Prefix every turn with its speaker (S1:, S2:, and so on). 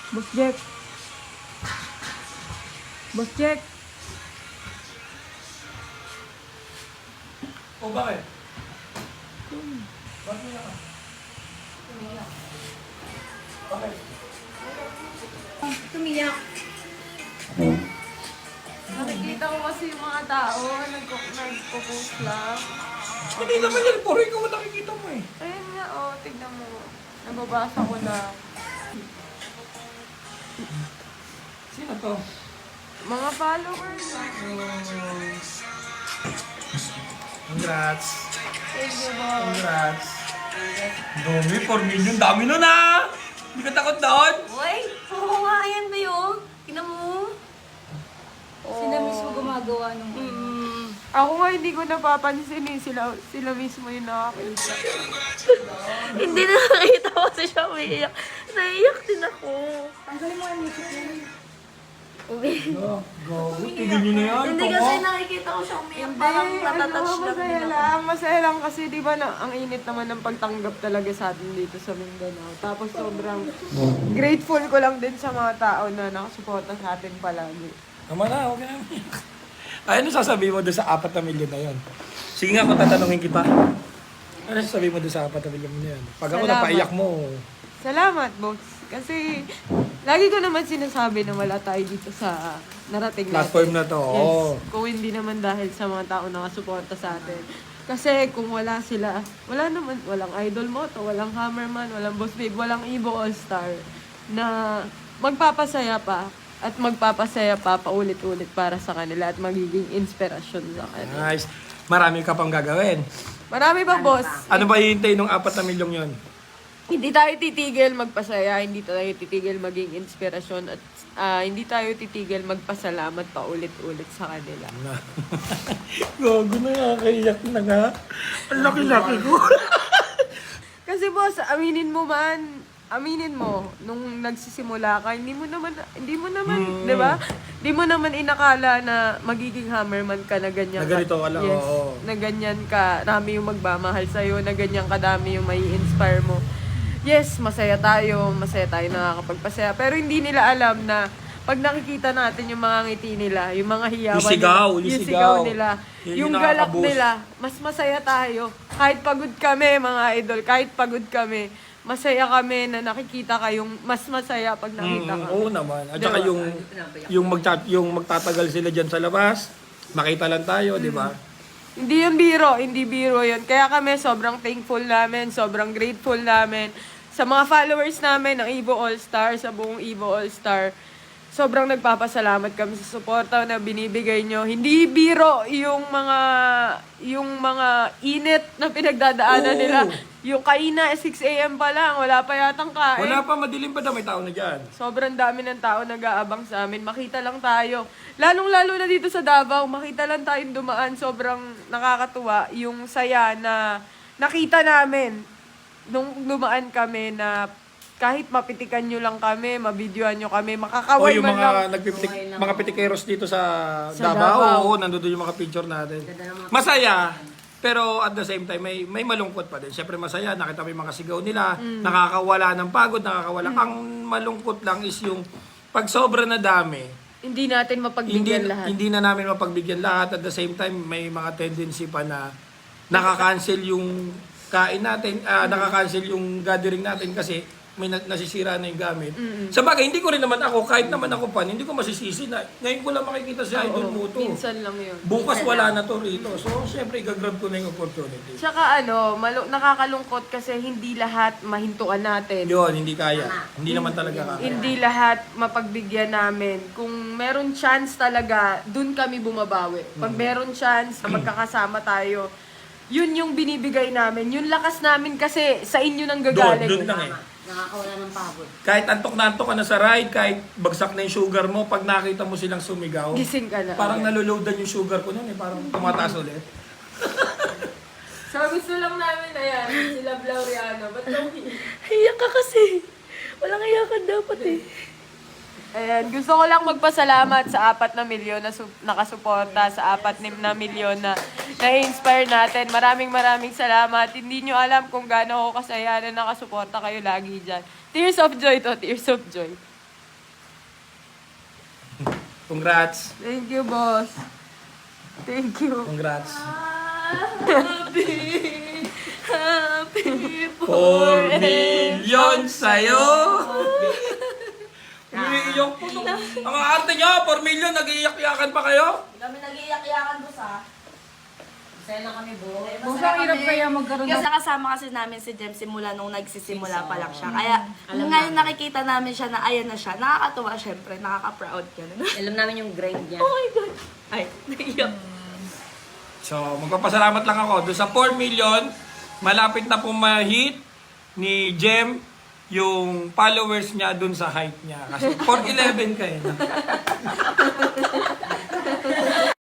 S1: Boss Jack. Boss Jack.
S2: O bakit? Bakit niya ka? Bakit?
S3: Tumiyak.
S1: Nakikita ko kasi yung mga tao, nagpo-post lang.
S2: Hindi naman yan, puro ikaw ang nakikita mo eh.
S1: Ayun nga, oh, tignan mo. Nababasa ko na.
S2: Sino to?
S1: Mga followers.
S2: Congrats.
S1: Thank you, boss.
S2: Congrats. Dami, 4 million. Dami nun ah! Hindi ka takot doon?
S3: Uy, oo nga, ayan ba yun? Tingnan mo. Sila mismo gumagawa ng
S1: Ako nga hindi ko napapansin eh. Sila mismo yung nakakita.
S3: Hindi na nakita ko kasi siya umiiyak. Naiiyak din ako.
S1: Tanggalin mo ang music niya.
S3: Hindi.
S2: Go. Tigil nyo na yan.
S3: Hindi kasi nakikita ko siya umiiyak. Parang natatouch lang
S1: masaya
S3: din ako.
S1: lang. Masaya lang kasi di ba na, ang init naman ng pagtanggap talaga sa atin dito sa Mindanao. Tapos sobrang grateful ko lang din sa mga tao na nakasuporta sa atin palagi.
S2: Tama na, okay na. Ay, ano sasabihin mo doon sa 4 na milyon na yun? Sige nga, kung tatanungin kita. Ano sasabihin mo doon sa 4 na milyon na yun? Pag ako
S1: Salamat.
S2: napaiyak mo,
S1: Salamat, boss. Kasi lagi ko naman sinasabi na wala tayo dito sa narating
S2: platform
S1: natin.
S2: na to.
S1: Yes.
S2: Oo.
S1: Kung hindi naman dahil sa mga tao na nakasuporta sa atin. Kasi kung wala sila, wala naman, walang Idol Moto, walang Hammerman, walang Boss Babe, walang Evo All-Star na magpapasaya pa at magpapasaya pa paulit-ulit para sa kanila at magiging inspirasyon sa kanila.
S2: Nice. Marami ka pang gagawin.
S1: Marami pa, boss.
S2: Ano ba hihintay ng 4 na milyon yun?
S1: Hindi tayo titigil magpasaya, hindi tayo titigil maging inspirasyon at hindi tayo titigil magpasalamat pa ulit-ulit sa kanila.
S2: Gago na, nakakaiyak na nga. Ang laki-laki ko.
S1: Kasi boss, aminin mo, nung nagsisimula ka, hindi mo naman, di ba? Hindi mo naman inakala na magiging hammerman ka na ganyan
S2: Na ganito ka lang,
S1: yes,
S2: oo.
S1: na ganyan ka, dami yung magmamahal sa'yo, na ganyan kadami yung may inspire mo. Yes, masaya tayo nakakapagpasaya. Pero hindi nila alam na pag nakikita natin yung mga ngiti nila, yung mga hiyawan
S2: Yung sigaw.
S1: nila,
S2: Yun
S1: yung
S2: yung
S1: galak
S2: nakaka-boost.
S1: nila, mas masaya tayo. Kahit pagod kami, mga idol, kahit pagod kami, masaya kami na nakikita kayong mas masaya pag nakita kami.
S2: Oo naman. At
S1: Diba?
S2: saka yung magtatagal sila dyan sa labas, makita lang tayo, di ba?
S1: Hindi biro yun. Kaya kami sobrang thankful namin, sobrang grateful namin sa mga followers namin ng Evo All-Star, sa buong Evo All-Star. Sobrang nagpapasalamat kami sa suporta na binibigay nyo. Hindi biro yung mga init na pinagdadaanan
S2: Oo.
S1: nila. Yung kaina, 6 a.m. pa lang, wala pa yatang kain.
S2: Wala pa, madilim pa daw, may tao na dyan.
S1: Sobrang dami ng tao nag-aabang sa amin. Makita lang tayo. Lalong-lalo na dito sa Davao, makita lang tayong dumaan. Sobrang nakakatuwa yung saya na nakita namin nung dumaan kami na kahit mapitikan nyo lang kami, mabidyoan nyo kami,
S2: O
S1: makakaway
S2: yung
S1: man lang.
S2: mga pitikeros dito sa
S1: Davao.
S2: Davao, oo, nandun yung mga picture natin. Masaya, pero at the same time, may malungkot pa din. Siyempre masaya, nakita mo yung mga sigaw nila, nakakawala ng pagod, nakakawala. Ang malungkot lang is yung pag sobra na dami,
S1: Hindi natin mapagbigyan lahat.
S2: hindi na namin mapagbigyan lahat. At the same time, may mga tendency pa na nakaka-cancel yung kain natin, nakaka-cancel yung gathering natin kasi may nasisira na yung gamit. Sa bagay, hindi ko rin naman ako, kahit naman ako pan, hindi ko masisisi na ngayon ko lang makikita si Idol Moto.
S1: Minsan lang yun.
S2: Bukas wala na to rito. So, syempre, gagrab ko na yung opportunity.
S1: Tsaka nakakalungkot kasi hindi lahat mahintuan natin.
S2: Yun, hindi kaya. Hindi naman talaga kaya.
S1: Hindi lahat mapagbigyan namin. Kung meron chance talaga, dun kami bumabawi. Pag meron chance na magkakasama tayo, yun yung binibigay namin. Yung lakas namin kasi sa inyo nang gagaling.
S2: Doon lang eh.
S3: Nakakawala ng pagod.
S2: Kahit antok na antok ka na sa ride, kahit bagsak na yung sugar mo, pag nakita mo silang sumigaw,
S1: Gising ka na.
S2: parang naloloadan yung sugar ko noon eh, parang tumataas ulit.
S1: So gusto lang namin na yan, si Love Laureano. Ba't daw
S3: Iyak ka kasi. Walang iyakan dapat eh.
S1: Ayan, gusto ko lang magpasalamat sa 4 na milyon na nakasuporta, sa 4 na milyon na na-inspire natin. Maraming salamat. Hindi nyo alam kung gaano ako kasaya na nakasuporta kayo lagi dyan. Tears of joy to, tears of joy.
S2: Congrats.
S1: Thank you, boss. Thank you.
S2: Congrats.
S3: Happy
S2: 4 million sa'yo! Umiiyak po. Ang arte nyo, 4 million, nag-iiyak-iyakan pa kayo?
S3: Kami nag-iiyak-iyakan boss ah.
S4: Masaya lang kami, bo.
S5: Boss, ang hirap kaya magkaroon
S3: Kasi
S5: ng...
S3: nakasama kasi namin si Jem simula nung nagsisimula pa lang siya. Kaya ngayon nakikita namin siya na ayan na siya. Nakakatuwa syempre, nakaka-proud ka na.
S4: Alam namin yung grind niya.
S3: Oh my God! Ay, naiyak.
S2: So, magpapasalamat lang ako. Doon sa 4 million, malapit na pong ma-hit ni Jem yung followers niya doon sa height niya. Kasi 4'11 ka eh.